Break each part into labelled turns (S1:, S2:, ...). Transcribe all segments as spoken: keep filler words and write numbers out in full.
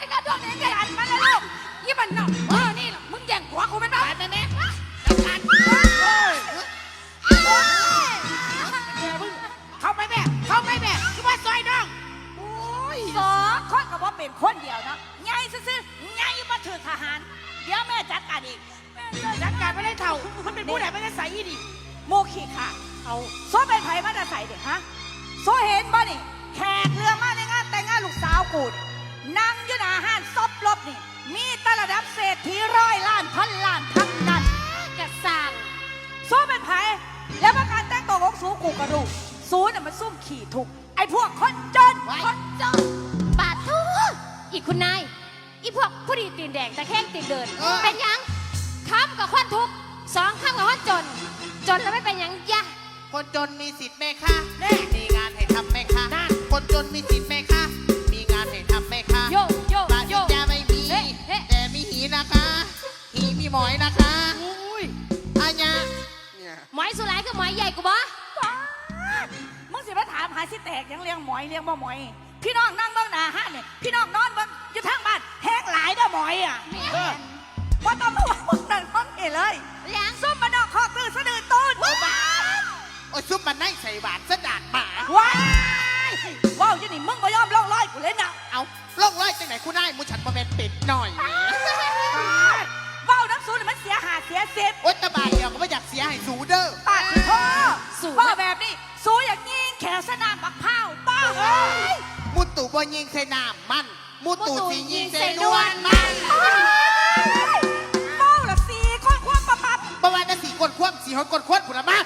S1: จะกระโดดเนี่ยหันมาเลยลูกยี่มันน่ะเออนี่มึงแย่งหัวกูเป็นบ้าแต่เนี่ยจัดการเข้าไปแม่เข้าไปแม่คือว่าซอยน้องโอ้ยสองคนกับว่าเป็นคนเดียวเนาะไงซื่อๆไงมาถือทหารเดี๋ยวแม่จัดการอีกจัดการไม่ได้เท่ามันเป็นผู้ใดไม่ได้ใส่ดิโมขีค่ะเอาโซ่เป็นไผ่มาได้ใส่เด็กฮะโซ่เห็นบ่นี่แขกเรือมาในงานแต่งงานลูกสาวกูนั่งอยู่หน้าห้านซบลบนี่มีตระดับเศรษฐีร้อยล้านพันล้านทั้งนั้นกระสังโซ่เป็นไผ่แล้วประการแต่งตัวของสูกูกระดูสูน่ะมันซุ่มขี่ถูกไอ้พวกคนจนคนจนบาดทุกอีกคุณนายอีพวกผู้ดีตีนแดงแต่แข้งตีนเดินเป็นยังค้ำกับคนทุกสองค้ำกับคนจนจนแล้วไม่เป็นยังยะ
S2: คนจนมีสิทธิ์ไหมคะมีงานให้ทำไหมคะคนจนมีสิทธิ์ไหมคะมีงานให้ทำไหมคะ
S1: โยโย
S2: บ้านจะไม่มีแต่มีหีนะคะหีมีหมอยนะคะอาญา
S1: หมอยสุดท้ายคือหมอยใหญ่กูบ่มึงสิมาถามหาสิแตกยังเลี้ยงหมอยเลี้ยงบ่หมอยพี่น้องนั่งเบื้องหน้าห้าเนี่ยพี่น้องนอนเบื้องอยู่ทางบ้านแห้งหลายเด้อหมอยอ่ะว่าตอนเมื่อวานมึงนั่งห้องเอเลยเลี้ยงซุ่มมาดอกคอกตื้อสะดือต้นว้า
S2: โอ้ยซุปมันได้ใส่บาทสะดาดหมา
S1: ว้ายว้าวยี่นี่มึงก็ยอมล่องลอยกูเลยนะ
S2: เอาล่องลอยจังไหนกูได้มูฉันมาเป็นเป็ดหน่อย
S1: ว้าวน้ำสูนมันเสียหาเสียเซฟ
S2: โอ๊ยตะบาดเดียวก็ไม่อยากเสียให้สูเด้อ
S1: ปาดพ่อพ่อแบบนี้สูอยากยิงแขวสนามบักเผาป้าเอ้ย
S2: มุตุบ่ยิงใส่น้ำมันมุตุสียิงใส่นวลมัน
S1: ว้าวละสีคนควบปั๊บปั๊บ
S2: ประมาณจะสีกดควบสีหอยกดควบผุนละมาก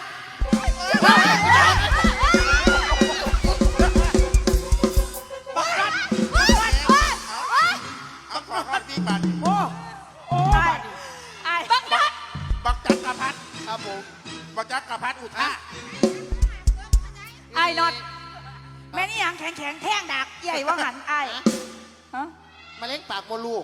S3: บักจักรพัฒน์ครับผมบักจักรพัฒน์อุทา
S1: ไอ้นอดแม่นี่ยังแข็งแข็งแท่งดักใหญ่ว่าหันไอ้ฮะ
S2: มาเล่นปากโมลูก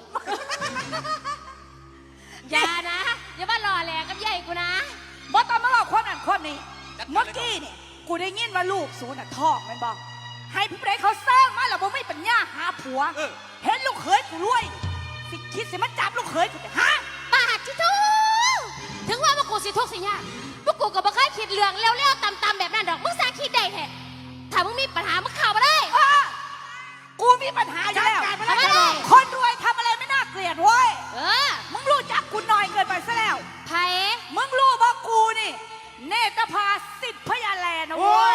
S1: อย่านะอย่ามาหล่อแหลกกับใหญ่กูนะบอสตอนมาหลอกคนอันคนนี้เมื่อกี้นี่กูได้ยินว่าลูกสูน่ะท้องมันบอกให้พี่เปรย์เขาสร้างมาแล้วบ่ไม่ปัญญาหาผัวเห็นลูกเขยกูรวยสิคิดสิมันจับลูกเขยกูจะฮะปาดชิทูถึงว่าพวกกูสิทุกสิยากพวกกูก็บ่เคยคิดเรื่องเลี้ยวๆต่ำๆแบบนั้นดอกมึงสาคิดได้แท้ถ้ามึงมีปัญหามึงข่าวมาได้กูมีปัญหาอยู่แล้วคนรวยทำอะไรไม่น่าเกลียดเว้ยเออมึงรู้จักกูหน่อยเกินไปซะแล้วไผ่มึงรู้ว่ากูนี่เนตรภาสิทธิ์พญาแลนะเว้ย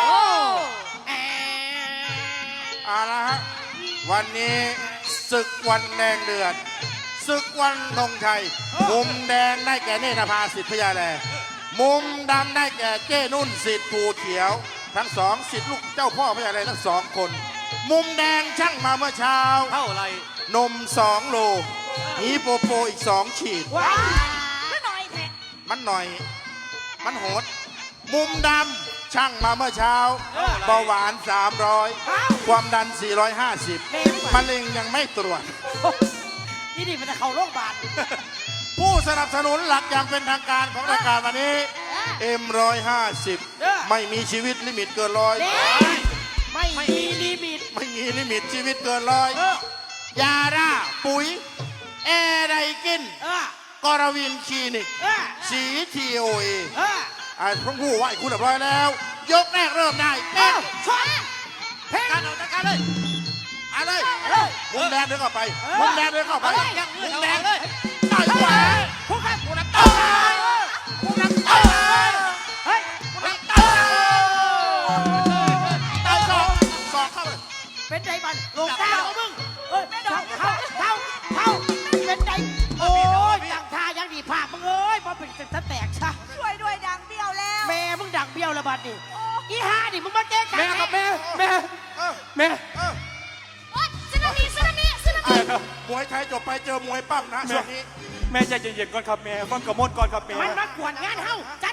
S3: เอาละฮะวันนี้ศึกวันแดงเดือดศึกวันธงชัยมุมแดงได้แก่เนตรภาสิทธิ์พญาแลมุมดำได้แก่เจ้นุ่นสิทธิ์ภูเขียวทั้งสองสิทธิ์ลูกเจ้าพ่อพญาแลทั้งสองคนมุมแดงช่างมาเมื่อเช้า
S4: เท่าไร
S3: นมสองโลฮีโปโปอีกสองขีด
S1: มันหน่อยแท้
S3: มันหน่อยมันโหดมุมดำช่างมาเมื่อเช้าเบาหวานสามร้อยความดันสี่ร้อยห้าสิบมะเร็งยังไม่ตรวจ
S1: นี่ดิมันจะเข้าโรงพยาบาล
S3: ผู้สนับสนุนหลักอย่างเป็นทางการของรายการวันนี้เอ็มร้อยห้าสิบไม่มีชีวิตลิมิตเกินร้อย
S1: ไม่มีลิมิต
S3: ไม่มีลิมิตชีวิตเกินร้อยยาร่าปุ๋ยแอร์ไดกินกรวินคลินิกสีทีโอเอไอ้พวกผู้ไหวคุณเรียบร้อยแล้วยกแรกเริ่มได้เอ้าชน
S4: เพลงการออกจากการเลย
S3: เอาเลยมุมแดงเดินเข้าไปมุมแดงเดินเข้าไปมุมแดงเลย
S4: ต่อยขวาพวกข้าพวกนั้นต่อยพวกนั้นต่อยเฮ้ยพวกนั้นต่อย
S3: ต่อยสองสองเข้าเลย
S4: เป็นใจบันลงเท้ามึงเฮ้ยเท้าเท้าเท้าเท้าเป็นใจโอ้ยดังท่ายังดีภาพมึงเอ้ยพอเป็นจะแตกซะ
S1: ช่วยด้วยดังเบี้ยวแล้ว
S4: แม่มึงดังเบี้ยวแล้วบัดนี่อีห่าดิมึงมาแก้กัน
S3: แม่ครับแม่แม่แม่
S1: โอ๊ยซึนามิซึนามิซึนามิ
S3: มวยไทยจบไปเจอมวยปั้มนะช่วงนี้
S4: แม่ใจเย็นๆก่อนครับแม่ฟังกระมดก่อนครับแม่
S2: มันมากวนงานเฮ้าใจ